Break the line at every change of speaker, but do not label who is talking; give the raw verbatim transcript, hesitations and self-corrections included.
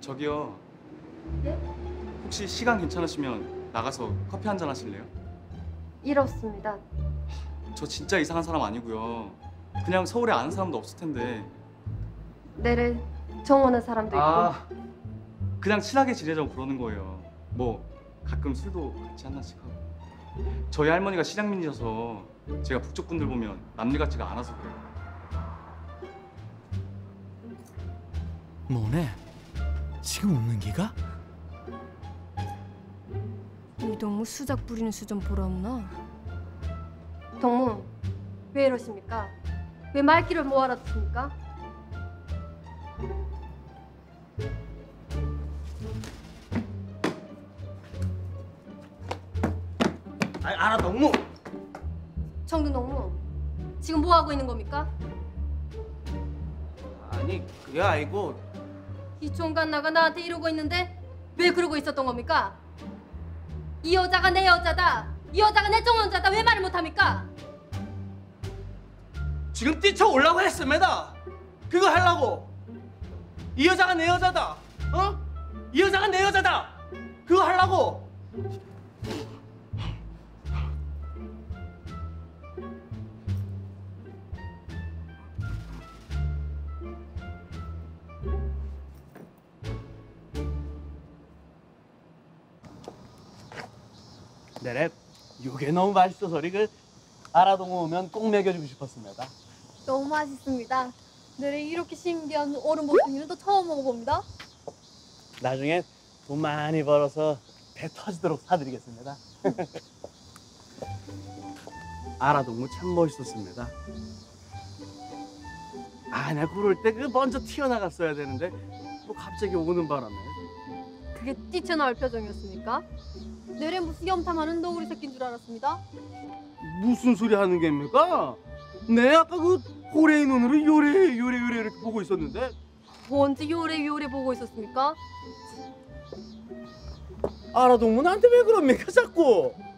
저기요.
예?
혹시 시간 괜찮으시면 나가서 커피 한잔 하실래요?
이렇습니다.
저 진짜 이상한 사람 아니고요. 그냥 서울에 아는 사람도 없을 텐데.
내를 정오는 사람도 있고.
아, 그냥 친하게 지내자고 그러는 거예요. 뭐 가끔 술도 같이 한 잔씩 하고. 저희 할머니가 실향민이셔서 제가 북쪽 분들 보면 남일 같지가 않아서 그래요.
뭐네? 지금 웃는 기가?
이동무 수작 부리는 수좀 보라무나.
동무, 왜 이러십니까? 왜 말귀를 못 알아듣습니까?
아, 알아 동무.
정든 동무, 지금 뭐 하고 있는 겁니까?
아니 그게 아니고
이 총각나가 나한테 이러고 있는데 왜 그러고 있었던 겁니까? 이 여자가 내 여자다. 이 여자가 내 정혼자다. 왜 말을 못합니까?
지금 뛰쳐 올라고 했습니다. 그거 하려고. 이 여자가 내 여자다. 어? 이 여자가 내 여자다. 그거 하려고. 네네. 이게 너무 맛있어서 그 아라동무 오면 꼭 먹여주고 싶었습니다.
너무 맛있습니다. 내래 이렇게 신기한 얼음 보쌈이는 또 처음 먹어봅니다.
나중에 돈 많이 벌어서 배 터지도록 사드리겠습니다. 아라동무 참 멋있었습니다. 아, 나 그럴 때 그 먼저 튀어나갔어야 되는데 뭐 갑자기 오는 바람에.
그게 뛰쳐나올 표정이었습니까? 내래 무슨 염탐하는 너구리 새끼인 줄 알았습니다.
무슨 소리 하는 겁니까? 네, 아까 그 호레이 눈으로 요래 요래 요래 이렇게 보고 있었는데.
언제 요래 요래 보고 있었습니까?
아라동무 나한테 왜 그럽니까 자꾸?